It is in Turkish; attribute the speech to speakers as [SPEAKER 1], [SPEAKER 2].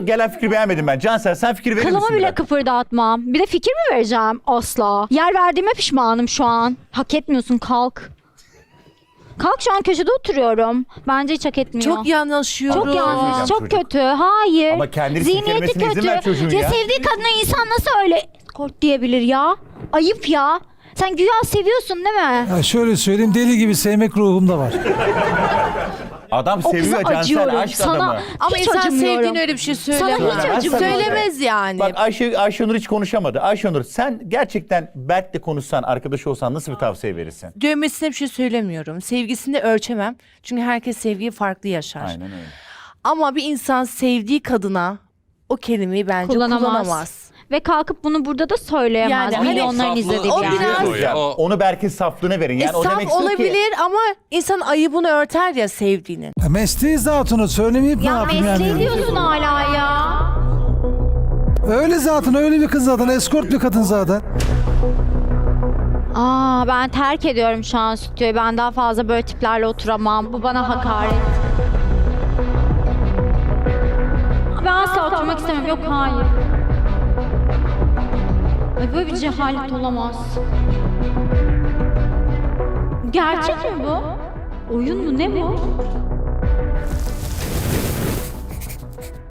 [SPEAKER 1] Gelen fikri beğenmedim ben. Cansel sen fikir verir misin?
[SPEAKER 2] Kılımı bile
[SPEAKER 1] biraz?
[SPEAKER 2] kıpırdatmam. Bir de fikir mi vereceğim? Asla. Yer verdiğime pişmanım şu an. Hak etmiyorsun, kalk. Kalk, şu an köşede oturuyorum. Bence hiç hak etmiyor.
[SPEAKER 3] Çok yanaşıyorum.
[SPEAKER 2] Çok yanlış,
[SPEAKER 1] Söyleyeceğim
[SPEAKER 2] çok
[SPEAKER 1] çocuk.
[SPEAKER 2] kötü. Hayır.
[SPEAKER 1] Ama kendini
[SPEAKER 2] Zihniyeti
[SPEAKER 1] silkelemesine izin
[SPEAKER 2] kötü.
[SPEAKER 1] ver çocuğun ya.
[SPEAKER 2] Sevdiği kadına insan nasıl öyle kort diyebilir ya? Ayıp ya. Sen güya seviyorsun değil mi?
[SPEAKER 4] Ya şöyle söyleyeyim, deli gibi sevmek ruhumda var.
[SPEAKER 1] Adam
[SPEAKER 2] O kıza
[SPEAKER 1] seviyor Cansel,
[SPEAKER 2] acıyorum.
[SPEAKER 1] aşk
[SPEAKER 2] Sana
[SPEAKER 1] adamı.
[SPEAKER 3] Ama
[SPEAKER 2] hiç
[SPEAKER 3] insan
[SPEAKER 2] acımıyorum.
[SPEAKER 3] sevdiğine öyle bir şey söylemez.
[SPEAKER 2] Sana hiç acımıyorum.
[SPEAKER 3] Söylemez yani.
[SPEAKER 1] Bak Ayşenur hiç konuşamadı. Ayşenur sen gerçekten Berk'le konuşsan, arkadaş olsan nasıl bir tavsiye verirsin?
[SPEAKER 3] Dövmesine bir şey söylemiyorum. Sevgisini de ölçemem. Çünkü herkes sevgiyi farklı yaşar.
[SPEAKER 1] Aynen öyle.
[SPEAKER 3] Ama bir insan sevdiği kadına o kelimeyi bence kullanamaz.
[SPEAKER 2] Ve kalkıp bunu burada da söyleyemez.
[SPEAKER 3] Yani hani
[SPEAKER 2] Milyonların
[SPEAKER 5] saflığı-
[SPEAKER 2] izlediği
[SPEAKER 3] O
[SPEAKER 2] bir
[SPEAKER 3] biraz-
[SPEAKER 2] yer.
[SPEAKER 1] Hocam, onu Berk'in saflığına verin. Yani o demek
[SPEAKER 3] Saf
[SPEAKER 1] istiyor ki...
[SPEAKER 3] olabilir ama insan ayıbını örter ya sevdiğinin.
[SPEAKER 4] Ya mesleği zatını söylemeyip ne
[SPEAKER 2] Ya
[SPEAKER 4] yapayım
[SPEAKER 2] mesleği
[SPEAKER 4] yani?
[SPEAKER 2] diyorsun hala ya.
[SPEAKER 4] Öyle zaten, öyle bir kız zaten. Eskort bir kadın zaten.
[SPEAKER 2] Ben terk ediyorum şu an stüdyoyu. Ben daha fazla böyle tiplerle oturamam. Bu bana hakaret. Ben asla oturmak istemem. Yok, hayır. Ay, böyle bir cehalet olamaz. Gerçek mi bu? Oyun mu, ne bu?